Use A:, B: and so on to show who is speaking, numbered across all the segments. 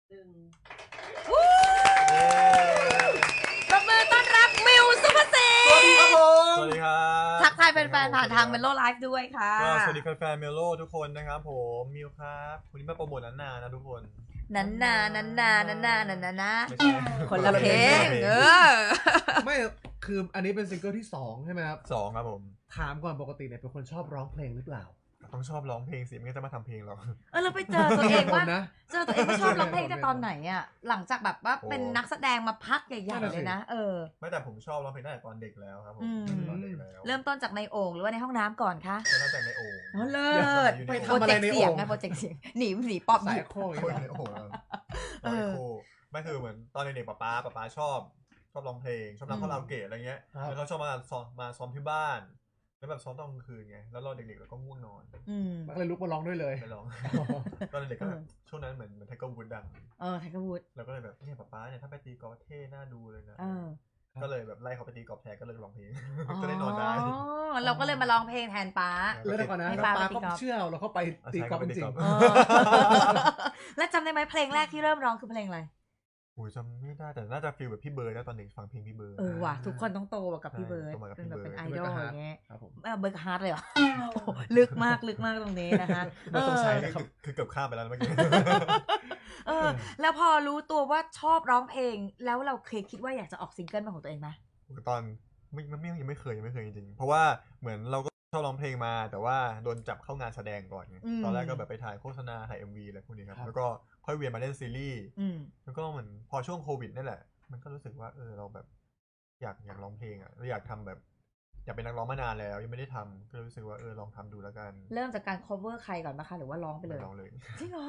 A: 1
B: ปรบมือต้อนรับมิวสุภาษิ
C: สวัสดีครับผม
D: สวัสดีครับ
B: ทักทายแฟนๆผ่านทางเมโลไลฟ์ด้วยค่ะ
D: ก็สวัสดีแฟนๆเมโลทุกคนนะครับผมมิวครับวันนี้มาโปรโมทนานๆนะทุกคน
B: นันนานันนานันนานันนานะ
D: ไม่ใช่
B: คนละเพลง
C: ไม่คืออันนี้เป็นซิงเกิลที่2ใช่ไหมครับ
D: สองครับผม
C: ถามก่อนปกติเนี่ยเป็นคนชอบร้องเพลงหรือเปล่า
D: ต้องชอบร้องเพลงสิไม่งั้นจะมาทำเพลงหรอก
B: เราไปเจอตัวเองว่า
C: ผมนะ
B: เจอตัวเองว่าชอบร้องเพลงแต่ตอนไหนอ่ะหลังจากแบบว่า
D: โอ้
B: เป็นนักแสดงมาพักใหญ่ๆเลยนะ
D: ไม่แต่ผมชอบร้องเพลงตั้งแต่ตอนเด็กแล้วครับผม
B: อืม
D: ตอนเด็กแล้ว
B: เริ่มต้นจากในโอ่งหรือว่าในห้องน้ำก่อนคะ
D: ก็ตั้งแต่ในโอ่ง
B: อ๋อเลิศ
D: ไป
B: โปร
C: ทำอะ
B: เจ
C: ไร
B: กต์
C: ใน
B: เสียง
C: โอ่ง
B: ไงโปรเจกต์เสียงหนีป๊อป
C: สา
B: ห
C: ย
B: ยิบ
C: โค้ง
D: คนในโอ่งครับตอนในโอ่งไม่คือเหมือนตอนเด็กๆป๊าชอบร้องเพลงชอบร้องคาราโอเกะอะไรเงี้ยแล้วเขาชอบมาซ้อมที่บ้านแล้วแบบซ้อมตอนกลางคืนไงแล้วเราเด็กๆเราก็ง่วงนอน
C: มันก็เลยลุกมาร้องด้วยเลย
D: ไม่ร้อง ตอนเด็กก็แบบช่วงนั้นเหมือนไทเกอร์วูดดัง
B: ไทเกอร์วูด
D: แล้วก็เลยแบบเนี่ยป๊าเนี่ยถ้าไปตีกอล์ฟเท่น่าดูเลยนะ
B: เออ
D: ก็เลยแบบไล่เขาไปตีกอล์ฟแทนก็เลยร้องเพลง ก็ได้นอนได้
B: เราก็เลยมาร้องเพลงแทนป๊า
C: แล้วเดี๋ยวก่อนนะ
B: ให้
C: แล้ว
B: ปา
C: ปา
B: ไปตี
C: ก็
B: กอล์ฟ
C: เชื่อเราเข้าไปตีกอล์ฟจริง
B: เออแล้วจำได้ไหมเพลงแรกที่เริ่มร้องคือเพลงอะไร
D: โอ้ยจำไม่ได้แต่น่าจะฟีลแบบพี่เบิร์ดนะตอนเด็กฟังเพลงพี่เบิร์ด
B: ว่ะทุกคนต้องโตกับพี่เบิร์ด
D: โตมากับ
B: เป็น
D: พี่
B: แบบ
D: เบิร์ด
B: เป็นไอดอลอย่างเงี้ย
C: ครับผม
B: เบิร์ดฮาร์ดเลยเหรอโอ้โหลึกมากตรงนี้นะคะ
C: ไม่ต้องใช้นะครับ
D: คือเกือบข้ามไปแล้วนะเมื่อกี้
B: แล้วพอรู้ตัวว่าชอบร้องเพลงแล้วเราเคยคิดว่าอยากจะออกซิงเกิลเป็นของตัวเองไหม
D: ตอนยังไม่เคยจริงๆเพราะว่าเหมือนเราก็ชอบร้องเพลงมาแต่ว่าโดนจับเข้างานแสดงก่อนไงตอนแรกก็แบบไปถ่ายโฆษณาถ่าย MV อะไรพวกนี้ครับแล้วก็ค่อยเวียนมาเล่นซีรีส์แล้วก็เหมือนพอช่วงโควิดนี่แหละมันก็รู้สึกว่าเราแบบอยากร้องเพลงอ่ะเราอยากทำแบบอยากเป็นนักร้องมานานแล้วยังไม่ได้ทำก็เลยรู้สึกว่าลองทำดูแล้วกัน
B: เริ่มจากการ cover ใครก่อนนะคะหรือว่าร้องไปเลย
D: ร้องเลย
B: จริงเหรอ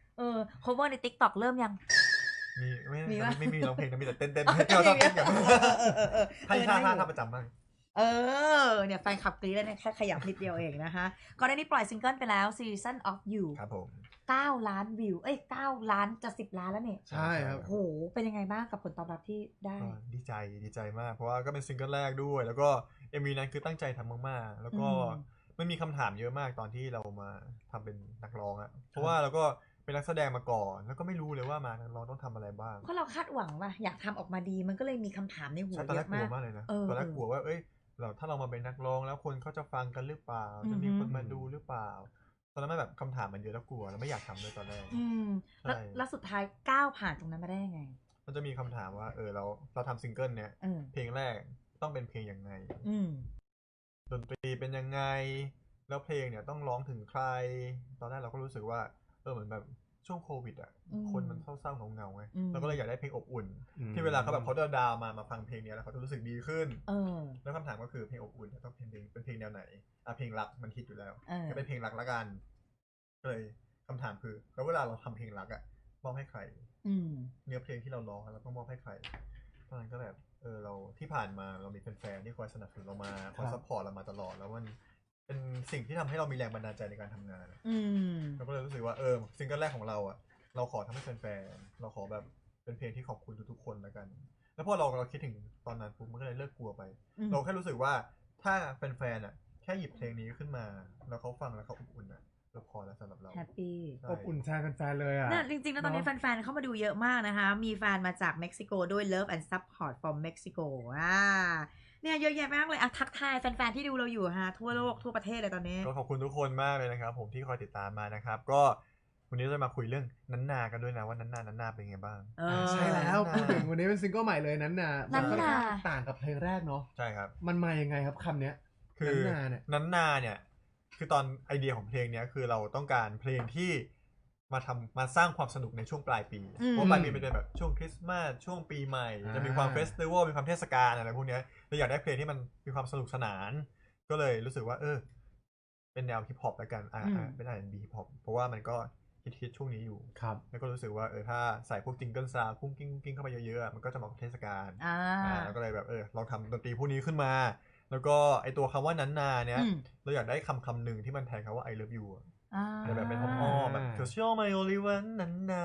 B: cover ใน TikTok เริ่มยัง มีปะ
D: ไม่มีร้องเพลงนะมีแต่เต้น
B: อ๋อ
D: ให้เราชอบเต้นกัน ให้
B: ได้อยู่
D: ท่าประจำบ้าง
B: เนี่ยแฟนคลับกรี๊ดแล้วเนี่ยแค่ขยับนิดเดียวเองนะคะก่อนหน้านี้ปล่อยซิงเกิลไปแล้ว Season of You
D: ครับผม
B: 9 ล้านวิว9 ล้านจะ10 ล้านแล้วเนี่ย
C: ใช่ครับ
B: โหเป็นยังไงบ้างกับผลตอบรับที่ได้
D: ก็ดีใจมากเพราะว่าก็เป็นซิงเกิลแรกด้วย แล้วก็ MV นั้นคือตั้งใจทำมากๆแล้วก็มันมีคำถามเยอะมากตอนที่เรามาทำเป็นนักร้องอะเพราะว่าเราก็เป็นนักแสดงมาก่อนแล้วก็ไม่รู้เลยว่ามานักร้องต้องทำอะไรบ้าง
B: เพราะเราคาดหวังว่าอยากทำออกมาดีมันก็เลยมีคำถามในหัว
D: ใช่ตอน
B: เย
D: แรก
B: อะ
D: กลั
B: มาว ก
D: มากเลยนะ
B: เออ
D: ตอนแรกกลัวว่าถ้าเรามาเป็นนักร้องแล้วคนเขาจะฟังกันหรือเปล่าจะมีคนมาดูหรือเปล่าตอนนั้นแบบคำถามมันเยอะแล้วกลัวแล้วไม่อยากทำด้วยตอนแรก ใช่
B: แล้วสุดท้ายก้าวผ่านตรงนั้นมาได้ยังไง
D: มันจะมีคำถามว่าเราทำซิงเกิลเนี้ยเพลงแรกต้องเป็นเพลงยังไงดนตรีเป็นยังไงแล้วเพลงเนี่ยต้องร้องถึงใครตอนแรกเราก็รู้สึกว่าเหมือนแบบช่วงโควิดอ่ะคนมันเศร้าๆเงาๆไงเราก็เลยอยากได้เพลงอบอุ่น ที่เวลาเขาแบบเขาดาวมาฟังเพลงนี้แล้วเขาจะรู้สึกดีขึ้นแล้วคำถามก็คือเพลงอบอุ่นต้องเป็นเพลงแนวไหนเพลงรักมันฮิตอยู่แล้วก็เป็นเพลงรักละกันก็เลยคำถามคือแล้วเวลาเราทำเพลงรักอ่ะมอบให้ใครเนื้อเพลงที่เราร้องเราต้องมอบให้ใครตอนนั้นก็แบบเราที่ผ่านมาเรามีแฟนๆที่คอยสนับสนุนเรามาคอยซัพพอร์ตเรามาตลอดแล้วมันเป็นสิ่งที่ทำให้เรามีแรงบันดาลใจในการทำงานเราก็เลยรู้สึกว่าซิงเกิลแรกของเราอ่ะเราขอทำให้แฟนๆเราขอแบบเป็นเพลงที่ขอบคุณทุกๆคนแล้วกันแล้วพอเราคิดถึงตอนนั้นปุ๊บมันก็เลยเลิกกลัวไปเราแค่รู้สึกว่าถ้าแฟนๆอ่ะแค่หยิบเพลงนี้ขึ้นมาแล้วเขาฟังแล้วเขาอบอุ่นอ่ะเราพอแล้วสำหรับเรา
B: แฮปปี้
C: อบอุ่นแทนแฟนๆเลยอ่ะ
B: จริงๆแล้วตอนนี้แฟนๆเข้ามาดูเยอะมากนะคะ มีแฟนมาจากเม็กซิโกด้วย Love and Support from Mexico เนี่ยเยอะแยะมากเลยทักทายแฟนๆที่ดูเราอยู่ฮะทั่วโลกทั่วประเทศเลยตอนนี้
D: ก็ขอบคุณทุกคนมากเลยนะครับผมที่คอยติดตามมานะครับก็วันนี้เราจะมาคุยเรื่องนันนากันด้วยนะว่านันนาเป็นไงบ้าง
C: ใช่แล้วพูดถึงวันนี้เป็นซิงเกิลใหม่เลยนั้นน่ะมันค่อนข้างต่างกับเพลงแรกเนาะ
D: ใช่ครับ
C: มันมายังไงครับคำเนี้ย
D: คือนันนาเนี่ยคือตอนไอเดียของเพลงเนี้ยคือเราต้องการเพลงที่มาสร้างความสนุกในช่วงปลายปีเพราะปลายปีเป็นแบบช่วงคริสต์มาสช่วงปีใหม่จะมีความเฟสติวัลมีความเทศกาลอะไรพวกนี้เราอยากได้เพลงที่มันมีความสนุกสนานก็เลยรู้สึกว่าเป็นแนวฮิปฮอปแล้วกันเป็น R&B ฮิปฮอปเพราะว่ามันก็ฮิตช่วงนี้อยู่
C: ครับ
D: แล้วก็รู้สึกว่าถ้าใส่พวกจิงเกิลซาวด์กุ้งกิ้งเข้าไปเยอะๆมันก็จะเหมาะกับเทศกาลแล้วก็เลยแบบลองทำดนตรีพวกนี้ขึ้นมาแล้วก็ไอตัวคำว่านันนาเนี่ยเราอยากได้คำหนึ่งที่มันแทนคำว่า I love you แต่แบบเป็นอ้อมแบบ cause you're my only one นันนา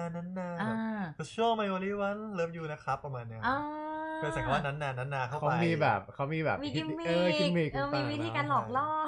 D: cause you're my only one love you นะครับประมาณเนี้ยเป็นใส่คำว่านันนาเข้าไป
C: เขามีแบบ
B: มีกิมมิคมีวิธีการหลอกล่อให้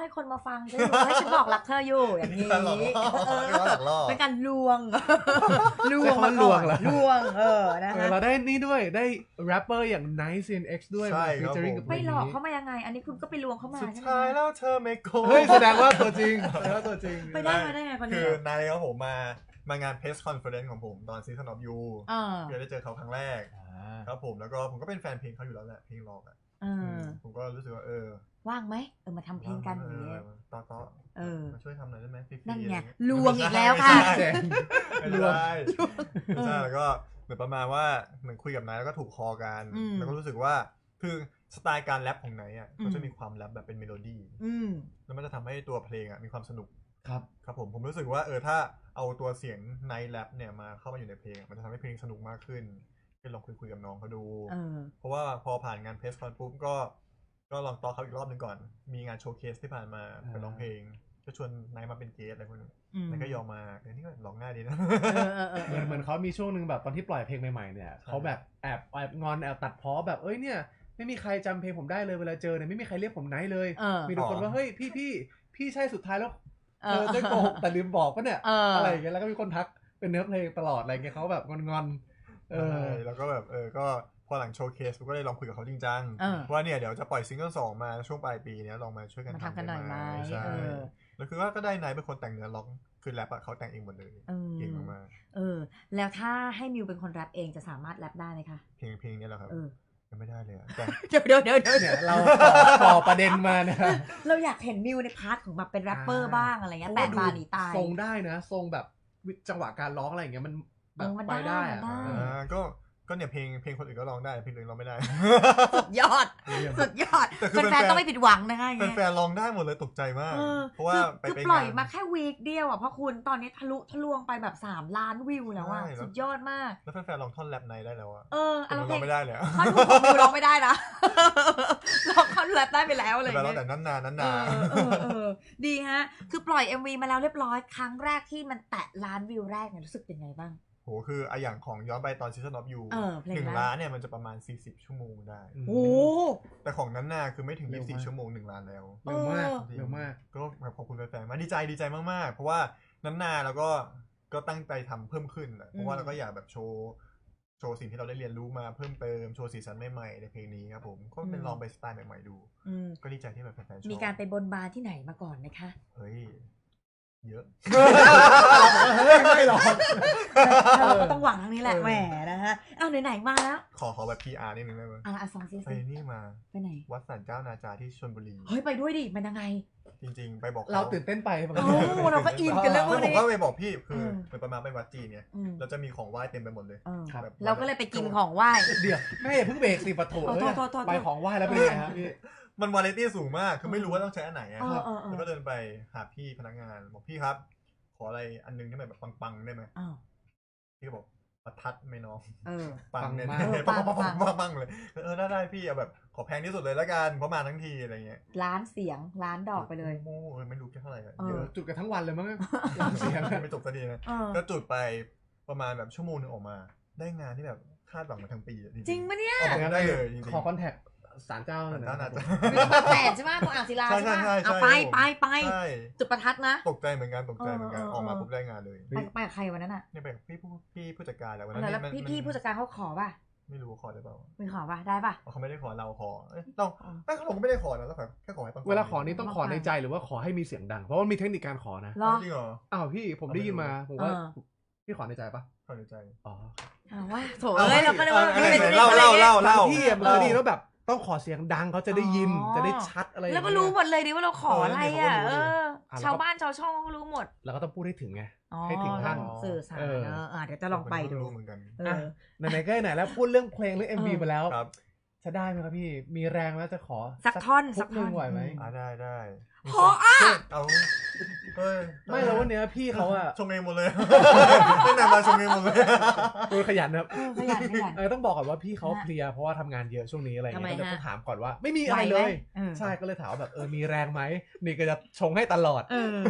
B: คนมาฟังฉันอยู่ให้ฉันบอกรักเธออยู่อย่างนี้เป็นการลวงมาก่อนลวงนะคะ
C: เราได้นี่ด้วยได้แรปเปอร์อย่าง Nice CNX ด้วยมาฟีเจอริ่งกับเพลงนี้
B: ไปหลอกเขามายังไงอันนี้คุณก็ไปลวงเขามา
D: สุดท้ายแล้วเธอไม่โกง
C: เฮ้ยแสดงว่าตัวจริง
B: ไปได้มาได้ไงคนนี้
D: คือนายครับผมมางาน Press Conference ของผมตอน Season of You เพื่อได้เจอเขาครั้งแรกครับผมแล้วก็ผมก็เป็นแฟนเพลงเขาอยู่แล้วแหละเพลงร็อกผมก็รู้สึกว่า
B: ว่างไหมมาทำเพลงกันอย่างเงี้ย
D: ต่อมาช่วยทำหน่อยได้ไหมฟรีๆ
B: นั่นไงลวงอีกแล้วค่ะ
D: ลวงใช่แล้วก็เหมือนประมาณว่าเหมือนคุยกับนายแล้วก็ถูกคอกันแล้วก็รู้สึกว่าคือสไตล์การแรปของนายอ่ะเขาจะมีความแรปแบบเป็นเมโลดี้แล้วมันจะทำให้ตัวเพลงอ่ะมีความสนุกครับผมรู้สึกว่าถ้าเอาตัวเสียงไนท์แรปเนี่ยมาเข้ามาอยู่ในเพลงมันจะทำให้เพลงสนุกมากขึ้นก็ลองคุยกับน้องเขาดูเพราะว่าพอผ่านงานเพรสคอนปุ๊บก็ลองต่อเขาอีกรอบนึงก่อนมีงานโชว์เคสที่ผ่านมาไปร้องเพลงก็ชวนไนท์มาเป็นเกสอะไรพวกนี้นายก็ยอมมานี่ก็ร้องง่ายดีนะ
C: เหมือนเขามีช่วงนึงแบบตอนที่ปล่อยเพลงใหม่ๆเนี่ยเขาแบบแอบงอนแอบตัดพ้อแบบเนี่ยไม่มีใครจำเพลงผมได้เลยเวลาเจอเนี่ยไม่มีใครเรียกผมไนท์เลยมีทุกคนว่าเฮ้ยพี่ใช่สุดท้ายแล้วได้โกหกแต่ลืมบอกป่ะเนี่ยอะไรอย่างเงี้ยแล้วก็มีคนทักเป็นเนื้อเพลงตลอดอะไรเงี้ยเขาแบบงอน
D: แล้วก็แบบก็พอหลังโชว์เคสก็เลยลองคุยกับเขาจริงจังว่าเนี่ยเดี๋ยวจะปล่อยซิงเกิล2มาช่วงปลายปีนี้ลองมาช่วยกัน
B: ทำกันหน่อยไหม
D: ใช่แล้วคือว่าก็ได้นายเป็นคนแต่งเนื้อร้องคือแรปเขาแต่งเองหมดเลยเก่งมาก
B: แล้วถ้าให้มิวเป็นคนแรปเองจะสามารถแรปได้ไหมคะ
D: เพลงนี้แหละครับยังไม่ได้เลยแต่
B: เดี๋ยว
C: เนี่ยเราต่อประเด็นมานะ
B: เราอยากเห็นมิวในพาร์ทของแบบเป็นแรปเปอร์บ้างอะไรเงี้ยแต่บาหนีตาย
C: ทรงได้นะทรงแบบจังหวะการร้องอะไรอย่างเงี้ยมันแบบไปได้
D: ก็เนี่ยเพลงคนอื่นก็ร้องได้เพลงอื่นร้องไม่ได้
B: สุดยอดแฟนๆต้องไม่ผิดหวังนะคะ
D: แฟนๆร้องได้หมดเลยตกใจมากเพราะว่า
B: คือปล่อยมาแค่วีคเดียวเพราะคุณตอนนี้ทะลวงไปแบบ3 ล้านวิวแล้วสุดยอดมาก
D: แล้วแฟนๆร้องท่อนแรปในได้แล้ว
B: เรา
D: ร้องไม่ได้เลย
B: ท่อนของมิวร้องไม่ได้นะร้องท่อนแรปได้ไปแล้วเลย
D: แต่นั้นนาน
B: ดีฮะคือปล่อย MV มาแล้วเรียบร้อยครั้งแรกที่มันแตะล้านวิวแรกเนี่ยรู้สึกเป็นไงบ้าง
D: โหคืออย่างของย้อนไปตอน Season of You 1 ล้านเนี่ยมันจะประมาณ40 ชั่วโมงได้
B: โอ้
D: แต่ของนั้นน่ะคือไม่ถึง24 ชั่วโมง1 ล้านแล้ว
C: เร็วมาก
D: ก็ขอบคุณแฟนๆมาดีใจมากๆเพราะว่านั้นนาแล้วก็ตั้งใจทำเพิ่มขึ้นเพราะว่าเราก็อยากแบบโชว์สิ่งที่เราได้เรียนรู้มาเพิ่มเติมโชว์สีสันใหม่ๆในเพลงนี้ครับผมก็เป็นลองไปสไตล์ใหม่ๆดูก็ดีใจที่แบบแฟนๆชอบ
B: มีการไปบนบานที่ไหนมาก่อนไหมคะ
D: เฮ้ยเยอะ
C: ไม่หรอก
B: เราก็ต้องหวังทางนี้แหละแหมนะฮะไหนมาแล้ว
D: ขอแบบ PR นิดนึงได้ไหม
B: ฟังซิ
D: ไปนี่มา
B: ไปไหน
D: วัดสันเจ้านาจาที่ชลบุรี
B: เฮ้ยไปด้วยดิมันยังไง
D: จริงๆไปบอก
C: เราตื่นเต้นไป
B: เราก็อินกันเรื่อง
D: นี้ผมก็ไปบอกพี่คือเป็นประมาณไปวัดจีนเนี่ยเราจะมีของไหว้เต็มไปหมดเลย
B: เราก็เลยไปกินของไหว้
C: เดี๋ยวไม่อย่าเพิ่งเบรกสิปะโถไปของไหว้แล้วเป็นยังไงครับพี่
D: มันวาไรตี้สูงมากคือไม่รู้ว่าต้องใช้อันไหนแล้วก็เดินไปหาพี่พนักงานบอกพี่ครับขออะไรอันนึงที่แบบปังๆได้ไหมพี่ก็บอกประทัดไม่น้องปังเนี่ยปังเลยได้พี่เอาแบบขอแพงที่สุดเลยละกันเพราะมาทั้งทีอะไรเงี้ย
B: ล้านเสียงล้านดอกไปเลย
D: ไม่รู้แค่เท่าไหร่
C: เยอะจุดกันทั้งวันเลยมั้ง
D: เสียงไม่จบสักทีนะก็จุดไปประมาณแบบชั่วโมงนึงออกมาได้งานที่แบบคาดหวังมาทั้งปี
B: จริงปะเนี่ย
D: ได้เลยจริง
C: ขอคอนแทคศาลเจ้า
D: นะ
B: มีบางแสนใช่ไหมตรงอ่างศิลาใช่ไหมเอาไปจุดประทัดนะ
D: ตกใจเหมือนกันออกมาปุ๊บได้งานเลย
B: ไปกับใครวันนั้นอ่ะ
D: นี่ไปกับพี่ผู้จัดการแหละวันนั้
B: นแล้วพี่ผู้จัดการเขาขอป่ะ
D: ไม่รู้ขอได้เปล่า
B: ไม่ขอป่ะได้ป่ะ
D: เขาไม่ได้ขอเราขอต้องผมก็ไม่ได้ขอนะแล้วแค่ขอให้
C: เวลาขอนี้ต้องขอในใจหรือว่าขอให้มีเสียงดังเพราะว่ามีเทคนิคการขอนะ
D: จริงเหรอ
C: พี่ผมได้ยินมาผมว่าพี่ขอในใจป่ะ
D: ขอในใจ
B: ว่าโถเราก็ได้ว่า
C: เล่าที่มันก็ดีแล้วแบบต้องขอเสียงดังเขาจะได้ยินจะได้ชัดอะไร
B: แล้วก็รู้หมดเลยดิว่าเราขออะไรชาวบ้านชาวช่องก็รู้หมด
C: แล้วก็ต้องพูดให้ถึงไงให้ถึงท่าน
B: สื่อสารเดี๋ยวจะลองไปดู
D: เหมือนกัน
C: ไหนๆก็ไหนแล้วพูดเรื่องเพลงเรื่อง MV ไปแล้วจะได้ไหมครับพี่มีแรงแล้วจะขอ
B: สักท่อน
C: ไหวไหม
D: ได้
B: ขอ
D: เอา
C: ไม่แล้ววันนี้พี่เขา
D: ชงเองหมดเลยไม่นานมาชงเองหมดเลย
C: ขยันครับ
B: ขยัน
C: ต้องบอกก่อนว่าพี่เขาเพลียเพราะว่าทำงานเยอะช่วงนี้อะไรเงี้ยก็เลยต้องถามก่อนว่าไม่มีอะไรเลยใช่ก็เลยถามแบบมีแรงไหมนี่ก็จะชงให้ตลอด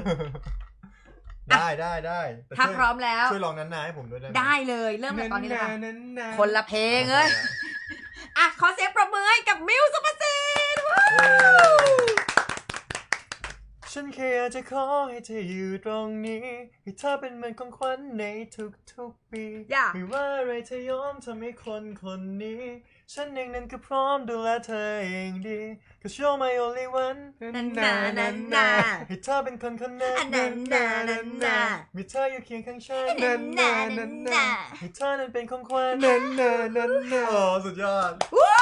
D: ได้
B: ถ้าพร้อมแล้ว
D: ช่วยลองนั้นๆให้ผมด้วย
B: ได้เลยเริ่มจากตอนนี้เลยคนละเพลงเลยขอเสียงปรบมือให้กับมิวสุภสิทธิ์
D: ฉันแค่อยากจะขอให้เธออยู่ตรงนี้ให้เธอเป็นเหมือนของขวัญในทุกๆปีไม่ว่าอะไรเธอยอมทำให้คนนี้ฉันเองนั้นก็พร้อมดูแลเธอเองดี 'Cause you're my only one
B: นันนา
D: ให้เธอเป็นคนนั้นมีเธออยู่เคียงข้างฉันให้เธอนั้นเป็นของขวัญโอ้สุดยอด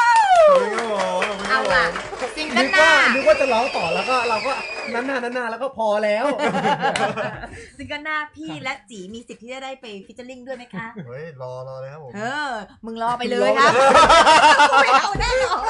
B: เอาล่ะซิงเกิลหน้า
C: นึกว่าจะร้องต่อแล้วก็เราก็นานแล้วก็พอแล้ว
B: ซิงเกิลหน้าพี่และจีมีสิทธิ์ที่จะได้ไปฟิชเชอร์ลิงด้วยไหมคะ
D: เฮ้ยรอเลยครับผม
B: มึงรอไปเลยครับไม่เอาแน่นอน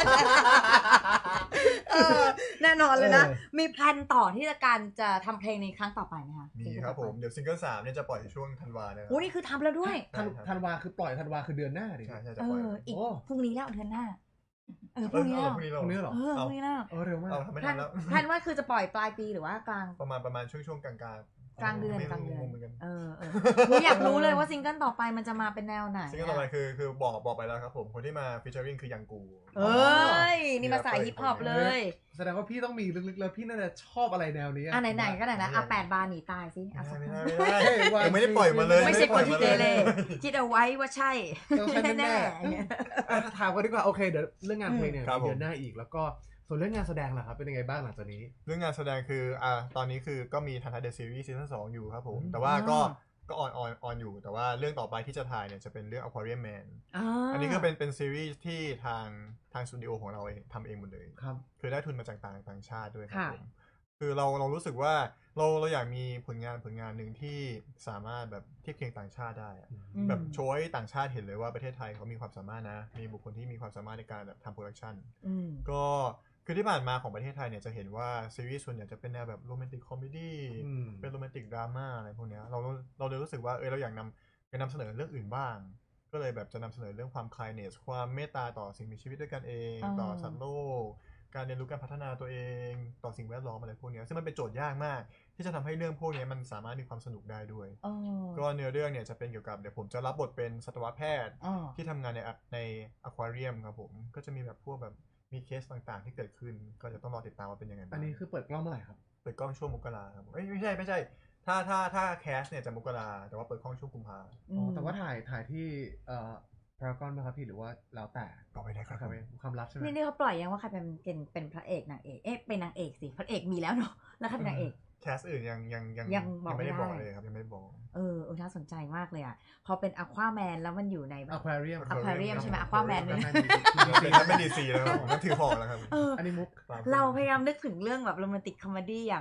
B: แน่นอนเลยนะมีแพลนต่อที่จะทำเพลงในครั้งต่อไปไหมคะ
D: มีครับผมเดี๋ยวซิงเกิล3เนี่ยจะปล่อยช่วงธันวาเนี่ย
B: โอ้นี่คือทำแล้วด้วย
C: ธันวาคือปล่อยธันวาคือเดือนหน้าดิ
D: ใช่จะปล่อย
B: อีกพรุ่งนี้แล้วเดือนหน้า
C: พรุ่งนี้เหรอ
B: พรุ่งนี้แล้ว
C: เร็วมาก
B: แพลนว่าคือจะปล่อยปลายปีหรือว่ากลาง
D: ประมาณช่วงกลาง
B: เดือนอยากรู้เลยว่าซิงเกิลต่อไปมันจะมาเป็นแนวไหน
D: ซิงเกิลต่อไปคือบอกไปแล้วครับผมคนที่มาฟีเจอริ่งคือยังกู
B: นี่มาสายฮิปฮอปเลย
C: แสดงว่าพี่ต้องมีลึกๆแล้วพี่น่าจะชอบอะไรแนวนี้
B: ไหนก็ไหนนะ8 บาร์หนีตายสิ
D: ยังไม่ได้ปล่อยมาเลย
B: ไม่ใช่คนที่เกเรคิดเอาไว้ว่าใช่แน่
C: ถามกันดีกว่าโอเคเดี๋ยวเรื่องงานเพลงเนี่ยเดือนหน้าอีกแล้วก็ส่วนเรื่องงานแสดงล่ะครับเป็นยังไงบ้างหลังจากนี้
D: เรื่องงานแสดงคือตอนนี้คือก็มีทันทัศน์เดอะซีรีส์ซีซั่น2อยู่ครับผมแต่ว่าก็ออนอยู่แต่ว่าเรื่องต่อไปที่จะถ่ายเนี่ยจะเป็นเรื่อง Aquarium Man อันนี้ก็เป็นซีรีส์ที่ทางสตูดิโอของเราเองทำเองหมดเลย
C: ครับ
D: คือได้ทุนมาจากต่างชาติด้วยครับผมคือเรารู้สึกว่าเราอยากมีผลงานหนึ่งที่สามารถแบบเทียบเคียงต่างชาติได้แบบโชว์ให้ต่างชาติเห็นเลยว่าประเทศไทยเขามีความสามารถนะมีบุคคลที่มีความสามารถในการแบบทำโปรดักชันก็คือที่ผ่านมาของประเทศไทยเนี่ยจะเห็นว่าซีรีส์ส่วนใหญ่จะเป็นแนวแบบโรแมนติกคอมเมดี้เป็นโรแมนติกดราม่าอะไรพวกนี้เราเลยรู้สึกว่าเราอยากนำเสนอเรื่องอื่นบ้างก็เลยแบบจะนำเสนอเรื่องความ kindness ความเมตตาต่อสิ่งมีชีวิตด้วยกันเองต่อสัตว์โลกการเรียนรู้การพัฒนาตัวเองต่อสิ่งแวดล้อมอะไรพวกนี้ซึ่งมันเป็นโจทย์ยากมากที่จะทำให้เรื่องพวกนี้มันสามารถมีความสนุกได้ด้วยก็เนื้อเรื่องเนี่ยจะเป็นเกี่ยวกับเดี๋ยวผมจะรับบทเป็นสัตวแพทย์ที่ทำงานในอควาเรียมครับผมก็จะมีแบบพวกแบบมีเคสต่างๆที่เกิดขึ้นก็จะต้องรอติดตามว่าเป็นยังไง
C: อันนี้คือเปิดกล้องเมื่อไหร่ครับ
D: เปิดกล้องช่วงมกราครับไม่ใช่ถ้าแคสเนี่ยจะมกราแต่ว่าเปิดกล้องช่วงกุมภา
C: แต่ว่าถ่ายที่พารากอนไหมครับพี่หรือว่าแล้วแต่
D: ก็ไม่ได้ครับ
C: ความลับใช่ไหม
B: นี่เขาปล่อยยังว่าใครเป็นพระเอกนางเอกเป็นนางเอกสิพระเอกมีแล้วเนาะแล้วใครเป็นนางเอก
D: แคสอื่นยังไม่ได้บอกเลยครับยังไม่ได้บอก
B: น่าสนใจมากเลยอ่ะพอเป็นอควาแมนแล้วมันอยู่ใน
C: อควาเรีย
B: ยมใช่ไหมอควาแมน
D: เนี่ยไม่ดีซีแล้วผมก็ถือหอกแล้วครับ
C: อันนี้มุก
B: เราพยายามนึกถึงเรื่องแบบโรแมนติกคอมเมดี้อย่าง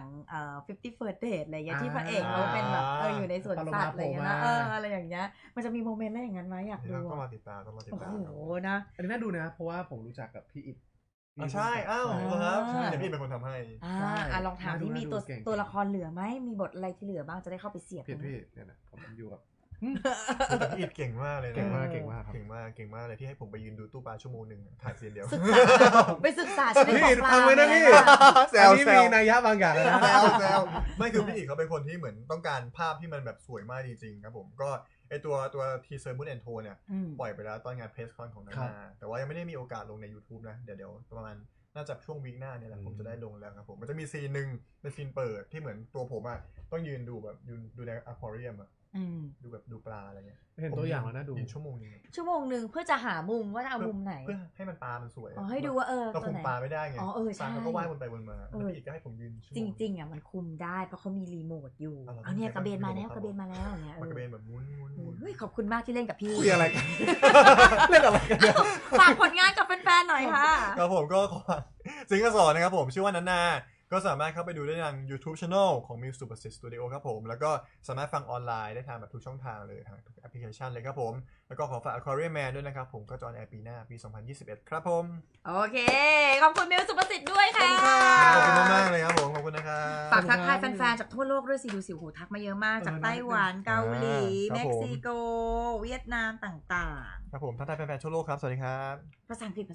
B: 50 First Date อะไรอย่างเงี้ยที่พระเอกเขาเป็นแบบอยู่ในสวนสัตว์อะไรอย่างเงี้ยนะอะไรอย่างเงี้ยมันจะมีโมเมนต์อะไรอย่างนั้นไหมอยากดู
D: ต้องมาติดตามโ
B: อ้โหนะ
C: อันนี้น่าดูนะเพราะว่าผมรู้จักกับพี่อิฐ
D: ใช่ครับเดี๋ยวพี่เป็นคนทำให้
B: ลองถามที่มีตัวละครเหลือไหมมีบทอะไรที่เหลือบ้างจะได้เข้าไปเสียบ
C: พี่เนี่ยนะผมอยู่กับ
D: พี่อิฐเก่งมากเลยนะ
C: เก่งมาก
D: เลยที่ให้ผมไปยืนดูตู้ปลาชั่วโมงนึงถ่ายซีนเดียว
B: ไปศึกษาชีวิตของปลา
C: ฟังไว้นะพี่อันนี้มีนัยยะบางอย่างนะ
D: แซวไม่คือพี่อิฐเขาเป็นคนที่เหมือนต้องการภาพที่มันแบบสวยมากจริงๆครับผมก็ไอตัวทีเซอร์มูนแอนโทเนี่ยปล่อยไปแล้วตอนงานเพรสคอนของนานาแต่ว่ายังไม่ได้มีโอกาสลงใน YouTube นะเดี๋ยวประมาณน่าจะช่วงวีคหน้าเนี่ยแหละผมจะได้ลงแล้วครับผมมันจะมีซีนนึงเป็นซีนเปิดที่เหมือนตัวผมต้องยืนดูแบบดูในอควาเรียมดูแบบดูปลาอะไรเงี้ย
C: เห็นตัวอย่างแล้วนะดู
D: ชั่วโมง
B: นึงเพื่อจะหามุมว่าจะเอามุมไหน
D: เพื่อให้มันปลามันสวย
B: ให้ดูว่า
D: เราคุมปลาไม่ได้ไง
B: ปลา
D: เขาก็ว่ายวนไปวนมาแล้วพี่ก็ให้ผมยืน
B: จริงๆมันคุมได้เพราะเขามีรีโมทอยู่เนี่ยกระเบนมาแล้วเนี่ย
D: กระเบนแบบมุ้น
B: ขอบคุณมากที่เล่นกับพี่
C: อะไรกันเล่นอะไรกัน
B: ฝากผลงานกับแฟนๆหน่อยค่ะ
D: ครับผมก็ซิงเกิล2นะครับผมชื่อว่านาก็สามารถเข้าไปดูได้ทาง YouTube Channel ของ Muse Super Studio ครับผมแล้วก็สามารถฟังออนไลน์ได้ทางแบบทุกช่องทางเลยทางทุกแอปพลิเคชันเลยครับผมแล้วก็ขอฝาก Aquarium Man ด้วยนะครับผมก็จะออนแอร์ปีหน้าปี 2021 ครับผม
B: โอเคขอบคุณ Muse Super Studio ด้วยค่ะ
D: ขอบคุณมากๆเลยครับผมขอบคุณนะครับ
B: ฝากทักทายแฟนๆจากทั่วโลกด้วยสิดูสิหูทักมาเยอะมากจากไต้หวันเกาหลีเม็กซิโกเวียดนามต่าง
D: ๆครับผมทักทายแฟนๆทั่วโลกครับสวัสดีครับ
B: ภาษาอังกฤษ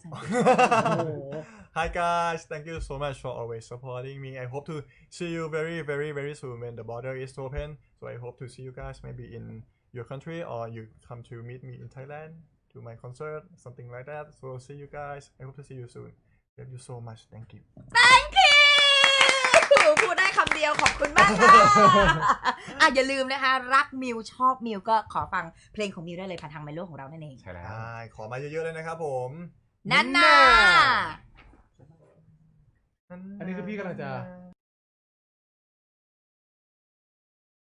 D: Hi guys, thank you so much for always supporting me. I hope to see you very, very, very soon when the border is open. So I hope to see you guys maybe in your country or you come to meet me in Thailand to my concert, something like that. So see you guys. I hope to see you soon. Thank you so much. Thank you.
B: Thank you. พูดได้คำเดียวขอบคุณมากค่ะอย่าลืมนะคะรักมิวชอบมิวก็ขอฟังเพลงของมิวได้เลยผ่านทางไมโลของเรานั่นเอง
C: ใช่แล้ว
D: ขอมาเยอะๆเลยนะครับผม
B: นั่นน่ะ
C: อันนี้คือพี่กำลังจะ